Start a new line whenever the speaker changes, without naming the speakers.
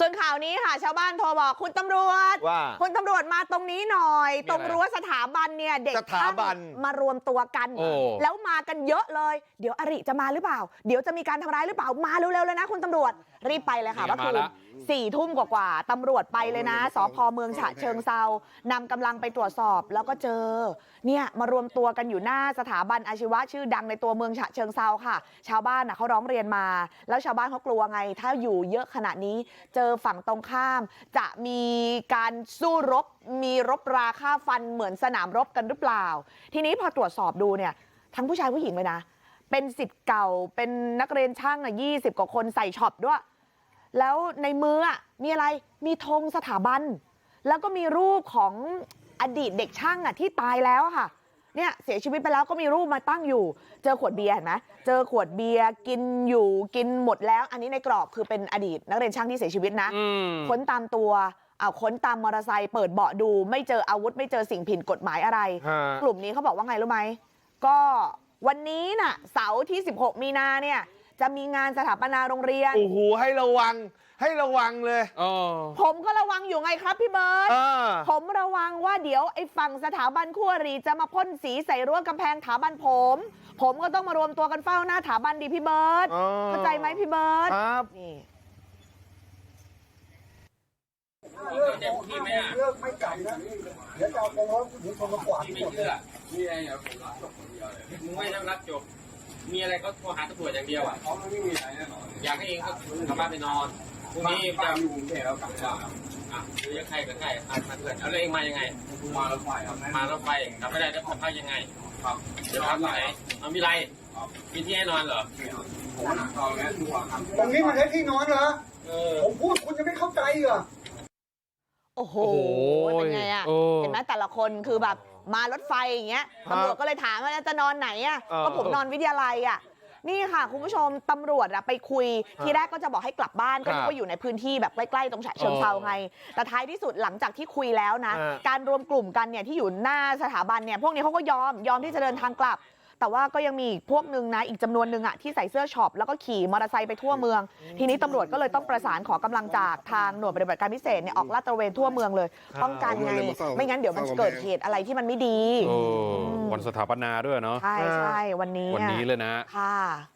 ส่วนข่าวนี้ค่ะชาวบ้านโทรบอกคุณตำรวจ
ว่า
คุณตำรวจมาตรงนี้หน่อยตรงรั้วสถาบันเนี่ยเด็ก
สถาบัน
มารวมตัวกันแล้วมากันเยอะเลยเดี๋ยวอริจะมาหรือเปล่าเดี๋ยวจะมีการทำร้ายหรือเปล่ามาเร็วๆเลยนะคุณตำรวจรีบไปเลยค่ะเมื่อคืน4 ทุ่มกว่าตำรวจไปเลยนะสพเมืองฉะเชิงเซานำกำลังไปตรวจสอบแล้วก็เจอเนี่ยมารวมตัวกันอยู่หน้าสถาบันอาชีวะชื่อดังในตัวเมืองฉะเชิงเซาค่ะชาวบ้านเขาร้องเรียนมาแล้วชาวบ้านเขากลัวไงถ้าอยู่เยอะขนาดนี้เจอฝั่งตรงข้ามจะมีการสู้รบมีรบราฆ่าฟันเหมือนสนามรบกันหรือเปล่าทีนี้พอตรวจสอบดูเนี่ยทั้งผู้ชายผู้หญิงเลยนะเป็นศิษย์เก่าเป็นนักเรียนช่าง20 กว่าคนใส่ช็อปด้วยแล้วในมือมีอะไรมีธงสถาบันแล้วก็มีรูปของอดีตเด็กช่างที่ตายแล้วค่ะเนี่ยเสียชีวิตไปแล้วก็มีรูปมาตั้งอยู่เจอขวดเบียร์เห็นไหมเจอขวดเบียร์กินอยู่กินหมดแล้วอันนี้ในกรอบคือเป็นอดีตนักเรียนช่างที่เสียชีวิตนะค้นตามตัวค้นตามมอเตอร์ไซค์เปิดเบาะดูไม่เจออาวุธไม่เจอสิ่งผิดกฎหมายอะไรกลุ่มนี้เขาบอกว่าไงรู้ไหมก็วันนี้น่ะเสาร์ที่16 มีนาเนี่ยจะมีงานสถาปนาโรงเรียน
โอ้โหให้ระวังเลย
ผมก็ระวังอยู่ไงครับพี่เบิร์ตผมระวังว่าเดี๋ยวไอ้ฝั่งสถาบันคู่อริจะมาพ่นสีใส่รั้วกำแพงสถาบันผมก็ต้องมารวมตัวกันเฝ้าหน้าสถาบันดีพี่เบิร์ตเข้าใจไหมพี่เบิร์ต
ครับ
นี่
เลิกไม่ไก่นะเดี๋ยวจะเอาของร้อนผู้หญิงคนมากวาดหมดเลย
มีอะไรเหรอผมรับจบคนเดียวเลยมึงไม่ต้องรับจบมีอะไรก็โทรหาตำรวจอย่างเดียวเขาไม่มีอะไรแน่นอนอยากให้เองก็กลับบ้านไปนอนพรุ่งนี้จะอยู่กรุงเทพแล้วกลับบ้านหรือยังใครก็ใครมาเกิดแล้วเองมายังไงมารถไฟมารถไฟกลับไม่ได้แล้วพักยังไงครับเดี๋ยวพักที่ไหนมีไรมีที่ให้นอนเหรอผมหนักตอนนี้
ตรงนี้มันให้ที่นอนเหรอผมพูดคุณจะไม่เข้าใจเหรอ
โอ้โหเป็นไงเห็นไหมแต่ละคนคือแบบมารถไฟอย่างเงี้ยตำรวจก็เลยถามว่าจะนอนไหนก็ผมนอนวิทยาลัยนี่ค่ะคุณผู้ชมตำรวจไปคุยทีแรกก็จะบอกให้กลับบ้านก็นึกว่าอยู่ในพื้นที่แบบใกล้ๆตรงฉะเชิงเทราไงแต่ท้ายที่สุดหลังจากที่คุยแล้วนะการรวมกลุ่มกันเนี่ยที่อยู่หน้าสถาบันเนี่ยพวกนี้เขาก็ยอมที่จะเดินทางกลับแต่ว่าก็ยังมีพวกนึงนะอีกจำนวนนึงที่ใส่เสื้อช็อปแล้วก็ขี่มอเตอร์ไซค์ไปทั่วเมืองทีนี้ตำรวจก็เลยต้องประสานขอกำลังจากทางหน่วยปฏิบัติการพิเศษเนี่ยออกลาดตระเวนทั่วเมืองเลยป้องกันไงไม่งั้นเดี๋ยวมันเกิดเหตุอะไรที่มันไม่ดี
วันสถาปนาด้วยเนาะ
ใช่วันนี้
เลยนะ
ค่ะ